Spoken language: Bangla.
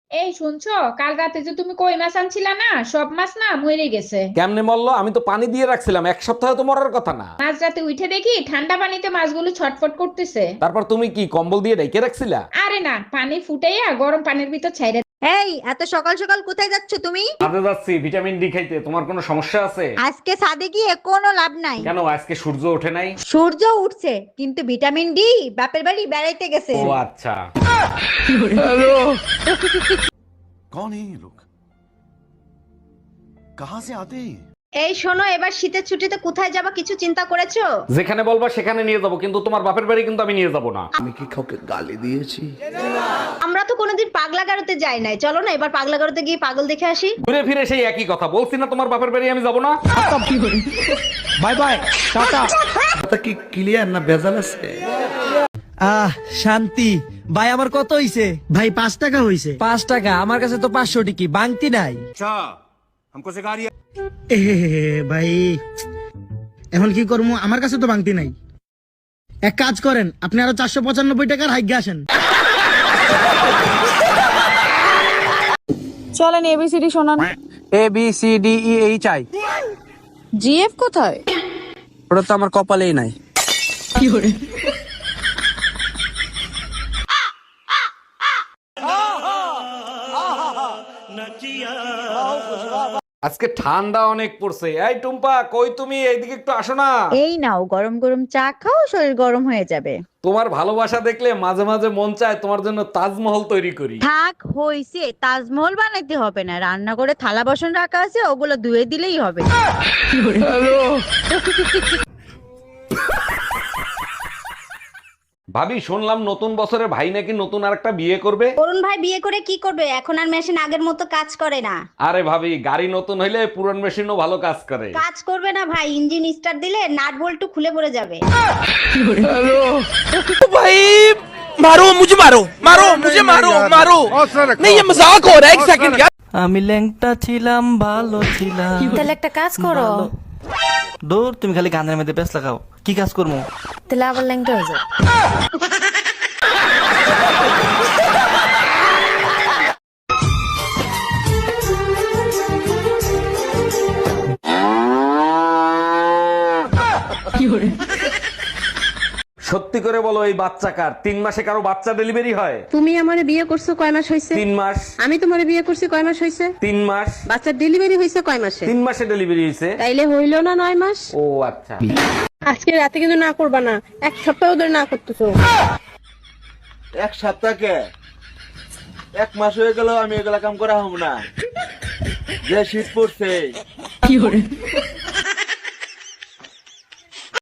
এই শুনছো, কাল রাতে যে তুমি কই মাছ আনছিলা না, সব মাছ না মরে গেছে। কেমনে মরলো? আমি তো পানি দিয়ে রাখছিলাম, এক সপ্তাহে তো মরার কথা না। মাঝ রাতে উঠে দেখি ঠান্ডা পানিতে মাছগুলো ছটফট করতেছে। তারপর তুমি কি কম্বল দিয়ে ঢেকে রাখছিলা? আরে না, পানি ফুটাইয়া গরম পানির ভিতর ছাইরে। এই এত সকাল সকাল কোথায় যাচ্ছ তুমি? কাজে যাচ্ছি ভিটামিন ডি খাইতে। তোমার কোনো সমস্যা আছে? আজকে ছাদে গিয়ে কোনো লাভ নাই। কেন, আজকে সূর্য ওঠে নাই? সূর্য উঠছে কিন্তু ভিটামিন ডি বাপের বাড়ি বেড়াইতে গেছে। ও আচ্ছা। कौन है ये लोग? कहां से आते हैं? এই শোনো, এবার শীতের ছুটিতে কোথায় যাবা কিছু চিন্তা করেছো? যেখানে বলবা সেখানে নিয়ে যাব, কিন্তু তোমার বাপের বাড়ি কিন্তু আমি নিয়ে যাব না। আমি কি কাউকে গালি দিয়েছি? আমরা তো কোনোদিন পাগলা গারোতে যাই নাই, চলো না এবার পাগলা গারোতে গিয়ে পাগল দেখে আসি। ঘুরে ফিরে সেই একই কথা বলছি না, তোমার বাপের বাড়ি আমি যাব না। Bye bye, tata. কথা কি ক্লিয়ার না ভেজাল আছে? আহ শান্তি। ভাই আমার কত হইছে? ভাই 5 টাকা হইছে। 5 টাকা? আমার কাছে তো 500 টিকি বাংতি নাই। এ ভাই এখন কি করবো, আমার কাছে তো ভাঙতি নাই। এক কাজ করেন, আপনি আরো 495 টাকার হাইগে আসেন। চলেন এবিসিডি শোনান। A B C D E H I. GF কোথায়? ওটা তো আমার কপালেই নাই। আজকে ঠান্ডা অনেক পড়ছে। এই টুম্পা, কই তুমি? এইদিকে একটু আসো না। এই নাও গরম গরম চা খাও, শরীর গরম হয়ে যাবে। তোমার ভালোবাসা দেখলে মাঝে মাঝে মন চায় তোমার জন্য তাজমহল তৈরি করি। থাক হইছে, তাজমহল বানাইতে হবে না, রান্না করে থালা বাসন রাখা আছে, ওগুলো ধুয়ে দিলেই হবে। ভাবি, শুনলাম নতুন বছরে ভাই নাকি নতুন আরেকটা বিয়ে করবে। অরুণ ভাই বিয়ে করে কি করবে? এখন আর মেশিন আগের মতো কাজ করে না। আরে ভাবি, গাড়ি নতুন হইলে পুরান মেশিনও ভালো কাজ করে। কাজ করবে না ভাই, ইঞ্জিন স্টার্ট দিলে নাট বল্টু খুলে পড়ে যাবে। ভাই মারো মুঝে, মারো মারো মুঝে, মারো মারো। नहीं ये मजाक हो रहा है, एक सेकंड यार। আমি ল্যাংটা ছিলাম, ভালো ছিলাম। তাহলে একটা কাজ করো। দূর, তুমি খালি গানের মধ্যে পেছ লাগাও। কি কাজ করবো? তাহলে আবার ল্যাংটা হয়ে যাও। সত্যি করে বলো, এই বাচ্চা কার? 3 মাসে কারো বাচ্চা ডেলিভারি হয়? তুমি আমারে বিয়ে করছো কয় মাস হইছে? 3 মাস। আমি তোমারে বিয়ে করছি কয় মাস হইছে? 3 মাস। বাচ্চার ডেলিভারি হইছে কয় মাসে? 3 মাসে ডেলিভারি হয়েছে। তাইলে হইলো না 9 মাস? ও আচ্ছা। আজকে রাতে কিন্তু না করবা না, 1 সপ্তাহ ধরে না করতেছো। এক সপ্তাহকে 1 মাস হয়ে গেল আমি এগুলা কাম করা হব না। যে শীত পড়ছে